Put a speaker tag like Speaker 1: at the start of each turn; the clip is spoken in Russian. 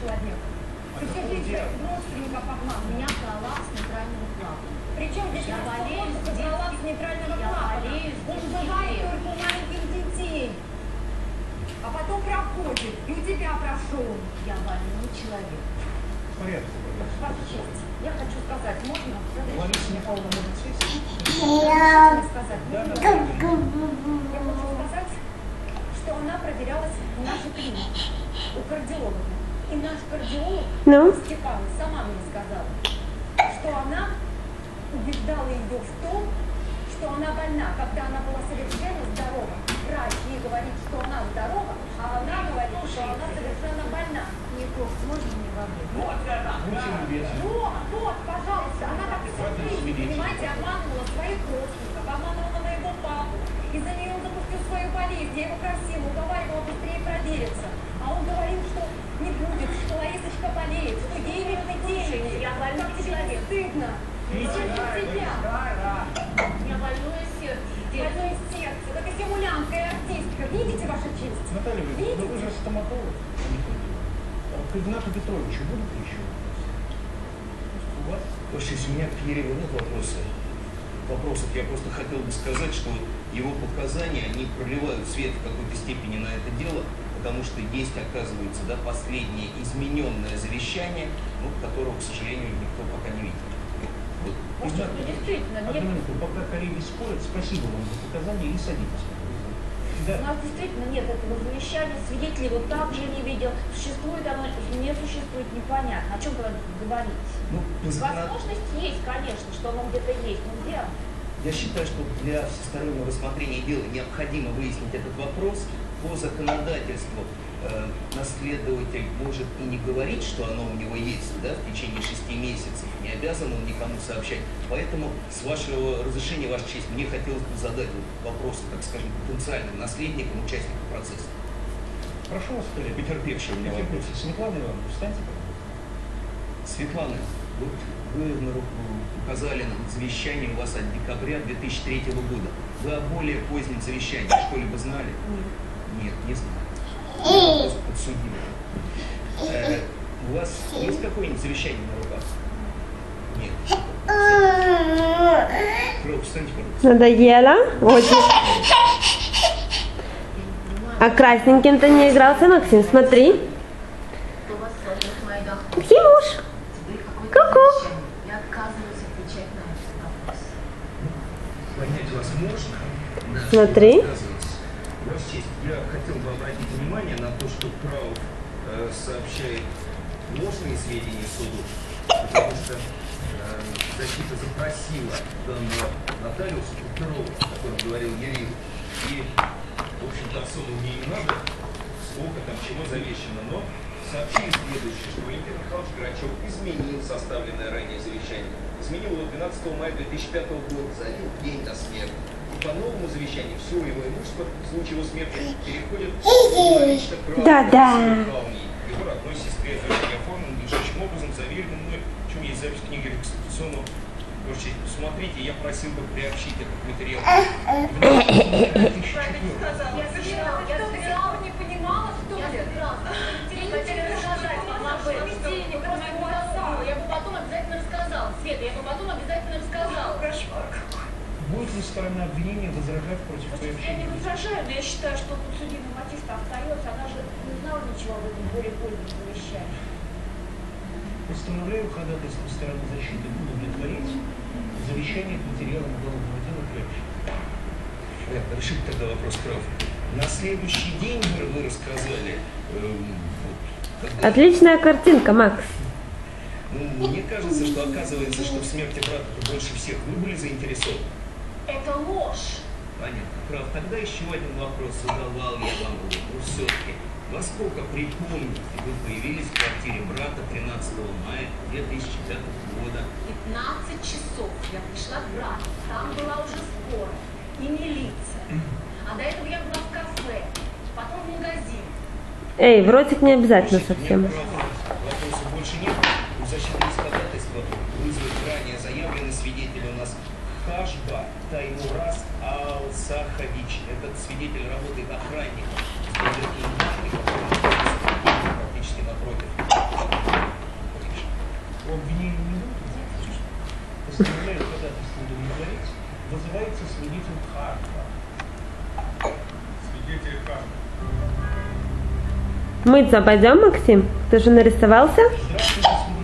Speaker 1: человек. Ты все жизнь родственников обман.
Speaker 2: Меня права с нейтрального клапана.
Speaker 1: Причем здесь
Speaker 2: Я болею с
Speaker 1: права с нейтрального клапана. Он бывает только у маленьких детей. А потом проходит, и у тебя прошел.
Speaker 2: Я больной человек.
Speaker 3: В порядке.
Speaker 1: Ваша честь, я хочу сказать, можно?
Speaker 3: Лариса Михайловна может сесть?
Speaker 1: Я хочу сказать,
Speaker 3: Да,
Speaker 1: можно?
Speaker 3: да.
Speaker 1: Я хочу сказать, что она проверялась в нашей клинике у кардиолога. И наш кардиолог Степан сама мне сказала, что она убеждала ее в том, что она больна, когда она была совершенно здорова. Врач ей говорит, что она здорова, а она говорит, что она совершенно больна.
Speaker 2: Ников, можно мне воды?
Speaker 1: Вот, пожалуйста, она так всю жизнь, понимаете, обманывала своих родственников, обманывала моего папу. Из-за нее он запустил свою болезнь, я его просила, уговаривала быстрее провериться. А он говорил, что не будет, что Ларисочка болеет, что ей нужны деньги.
Speaker 2: Я больной человек.
Speaker 1: Стыдно. Себя.
Speaker 2: У меня больное сердце.
Speaker 1: Больное сердце. Это симулянтка и артистка. Видите, ваша честь?
Speaker 3: Наталья Владимировна, ну вы же стоматолог, а не ходили. К Игнату Петровичу будут еще вопросы? У вас?
Speaker 4: Ваша честь, у меня к Ереву нет вопросов. Я просто хотел бы сказать, что его показания, они проливают свет в какой-то степени на это дело, потому что есть, оказывается, да, последнее измененное завещание, ну, которого, к сожалению, никто пока не видел. Вот.
Speaker 2: Может, ну, действительно,
Speaker 3: Одну
Speaker 2: нет.
Speaker 3: минуту, пока коллеги спорят, спасибо вам за показания и садитесь.
Speaker 2: У
Speaker 3: Да.
Speaker 2: нас действительно нет этого завещания, свидетелей вот так же не видел. Существует оно, не существует, непонятно. О чем говорить?
Speaker 4: Ну,
Speaker 2: Возможность есть, конечно, что оно где-то есть, но где?
Speaker 4: Я считаю, что для всестороннего рассмотрения дела необходимо выяснить этот вопрос. По законодательству наследователь может и не говорить, что оно у него есть, да, в течение 6 месяцев. Не обязан он никому сообщать. Поэтому, с вашего разрешения, Ваша честь, мне хотелось бы задать вопрос, так скажем, потенциальным наследникам, участникам процесса.
Speaker 3: Прошу вас, коллеги.
Speaker 4: Потерпевший у меня вопрос.
Speaker 3: Светлана Ивановна, встаньте, пожалуйста.
Speaker 4: Светлана, вот вы указали на завещание у вас от декабря 2003 года. Вы о более позднем завещании что-либо знали? Нет, не знаю. Я просто подсудимый. У вас есть какое-нибудь завещание на руках? Нет. Кров, встаньте, пожалуйста.
Speaker 5: Надоело? Очень. А красненьким-то не игрался, Максим, смотри.
Speaker 2: Кто вас смотрит, моя дочь?
Speaker 5: Максимуш. Ку-ку.
Speaker 2: Я отказываюсь отвечать на этот вопрос.
Speaker 4: Понять вас можно? Да.
Speaker 5: Смотри.
Speaker 4: Ваша честь, я хотел бы обратить внимание на то, что Крауф сообщает ложные сведения суду, потому что защита запросила данного нотариуса Петрова, о котором говорил Ерил, и, в общем-то, особо мне не надо, сколько там чего завещено, но сообщили следующее, что Валентин Михайлович Грачев изменил составленное ранее завещание. Изменил его 12 мая 2005 года, за один день до смерти. И по новому завещанию все его имущество в случае его смерти переходит лично к его родной сестре. Завещание оформлено надлежащим образом, заверено мной. Причем есть запись книги реконституционного. Посмотрите, я просил бы приобщить этот материал.
Speaker 1: Я собиралась, не понимала, что
Speaker 2: Я
Speaker 1: ли?
Speaker 2: собиралась. Я не хотела рассказать вам об этом. Денег у меня не было. Я бы потом обязательно рассказала. Света, я бы потом обязательно рассказала.
Speaker 1: Кошмар какой.
Speaker 3: Будет ли сторона обвинения возражать против
Speaker 2: Я не
Speaker 3: приобщения?
Speaker 2: возражаю, но я считаю, что подсудимый мотив-то остается. Она же не знала ничего об этом более позднем завещании.
Speaker 3: Постановляю ходатайство стороны защиты удовлетворить завещание к материалам уголовного дела приобщить.
Speaker 4: Понятно, решите тогда вопрос, Крауф. На следующий день вы рассказали, когда...
Speaker 5: Отличная картинка, Макс.
Speaker 4: Ну, мне кажется, что оказывается, что в смерти брата больше всех вы были заинтересованы.
Speaker 2: Это ложь.
Speaker 4: Понятно. Прав. Тогда еще один вопрос задавал я вам. Ну, все-таки, во сколько, припомните, вы появились в квартире брата 13 мая 2005 года?
Speaker 2: 15 часов я пришла к брату. Там была уже скорая и милиция. А до этого я была в кафе, потом в магазин.
Speaker 5: Эй, в ротик не обязательно
Speaker 4: Слушайте,
Speaker 5: совсем.
Speaker 4: нет, вопросов больше нет. У защиты из ходатайства вызвать ранее заявленный свидетель у нас Хашба Таймураз Ал-Сахович. Этот свидетель работает охранником. Практически напротив.
Speaker 3: постановляет ходатайство удовлетворить, вызывается свидетель Харта.
Speaker 6: Свидетель Харта.
Speaker 5: Мыться пойдем, Максим? Ты же нарисовался?
Speaker 3: Здравствуйте,